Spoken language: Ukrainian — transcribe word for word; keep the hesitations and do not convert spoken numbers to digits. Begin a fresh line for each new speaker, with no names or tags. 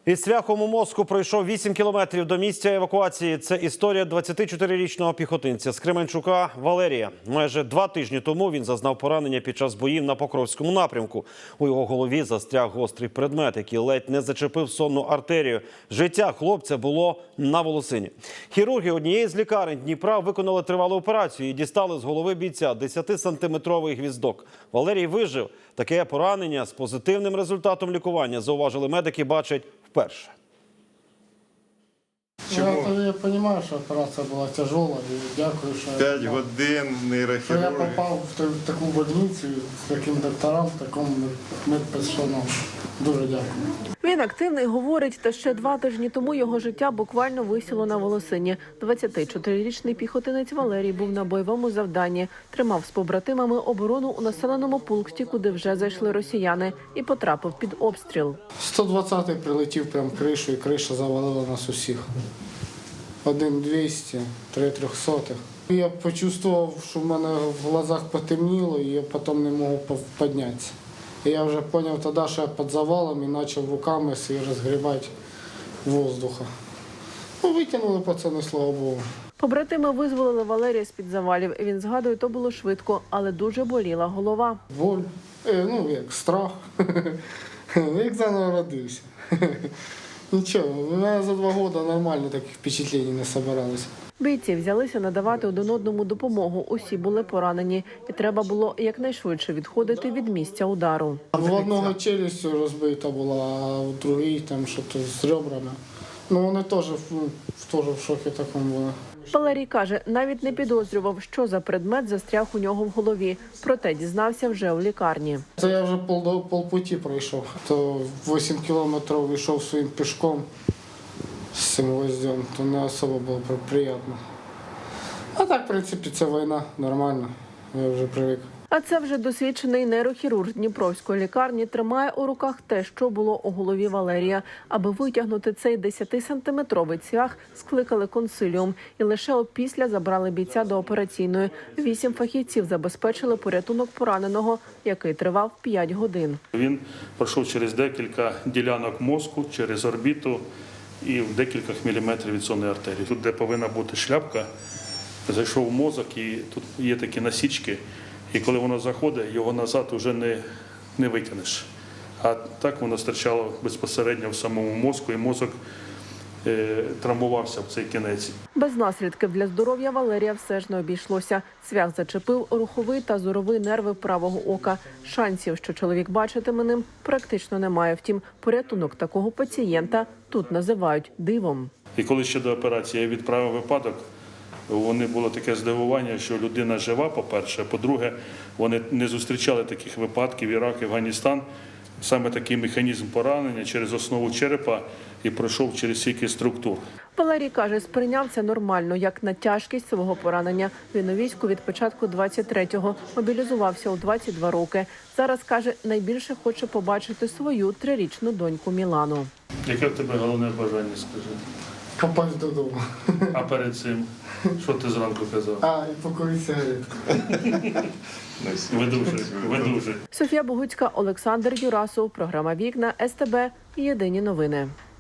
Із цвяхом у мозку пройшов вісім кілометрів до місця евакуації. Це історія двадцятичотирирічного піхотинця з Кременчука Валерія. Майже два тижні тому він зазнав поранення під час боїв на Покровському напрямку. У його голові застряг гострий предмет, який ледь не зачепив сонну артерію. Життя хлопця було на волосині. Хірурги однієї з лікарень Дніпра виконали тривалу операцію і дістали з голови бійця десятисантиметровий гвіздок. Валерій вижив. Таке поранення з позитивним результатом лікування, зауважили медики, бачать вперше.
Я, я розумію, що операція була тяжела, і дякую, що
П'ять годин
що я
нейрохірурги.
попав в таку больницю з таким доктором, такому медперсоналу. Дуже дякую.
Він активний, говорить, та ще два тижні тому його життя буквально висіло на волосині. двадцятичотирирічний піхотинець Валерій був на бойовому завданні. Тримав з побратимами оборону у населеному пункті, куди вже зайшли росіяни, і потрапив під обстріл.
сто двадцятий прилетів прямо кришу, і криша завалила нас усіх. Один двісті, три трьохсотих. Я почувствував, що в мене в глазах потемніло, і я потім не можу піднятися. І я вже зрозумів тоді, що я під завалом і почав руками свій розгрібати воздуха. Ну, витягнули пацани, слава Богу.
Побратими визволили Валерія з-під завалів. Він згадує, то було швидко, але дуже боліла голова.
Боль, е, ну як страх, як заново родився. Нічого, у мене за два роки нормально таких впечатлень не збиралося.
Бійці взялися надавати один одному допомогу. Усі були поранені, і треба було якнайшвидше відходити від місця удару.
В одного челюстю розбита була, а в другій там щось з ребрами. Ну вони теж, ну, теж в шокі такому були.
Валерій каже, навіть не підозрював, що за предмет застряг у нього в голові. Проте дізнався вже у лікарні.
Це я вже пол, полпуті пройшов. То вісім кілометрів йшов своїм пішком з цим гвоздем, то не особо було приємно. А так, в принципі, це війна, нормально, я вже привик.
А це вже досвідчений нейрохірург Дніпровської лікарні тримає у руках те, що було у голові Валерія. Аби витягнути цей десятисантиметровий цвях, скликали консиліум. І лише опісля забрали бійця до операційної. Вісім фахівців забезпечили порятунок пораненого, який тривав п'ять годин.
Він пройшов через декілька ділянок мозку, через орбіту і в декілька міліметрів від сонної артерії. Тут, де повинна бути шляпка, зайшов в мозок, і тут є такі насічки. І коли воно заходить, його назад вже не, не витягнеш. А так воно стирчало безпосередньо в самому мозку, і мозок е, травмувався в цей кінець.
Без наслідків для здоров'я Валерія все ж не обійшлося. Цвях зачепив руховий та зоровий нерви правого ока. Шансів, що чоловік бачитиме ним, практично немає. Втім, порятунок такого пацієнта тут називають дивом.
І коли ще до операції я відправив випадок, вони було таке здивування, що людина жива, по-перше. По-друге, вони не зустрічали таких випадків Ірак, Афганістан. Саме такий механізм поранення через основу черепа і пройшов через стільки структур.
Валерій каже, сприйняв це нормально, як на тяжкість свого поранення. Він у війську від початку двадцять третього, мобілізувався у двадцять два роки. Зараз, каже, найбільше хоче побачити свою трирічну доньку Мілану.
Яке в тебе головне бажання, скажи?
Попасть додому.
А перед цим, що ти зранку казав?
А, і покурити сигаретку.
Видужий, видужий.
Софія Богуцька, Олександр Юрасов, програма «Вікна», ес те бе, єдині новини.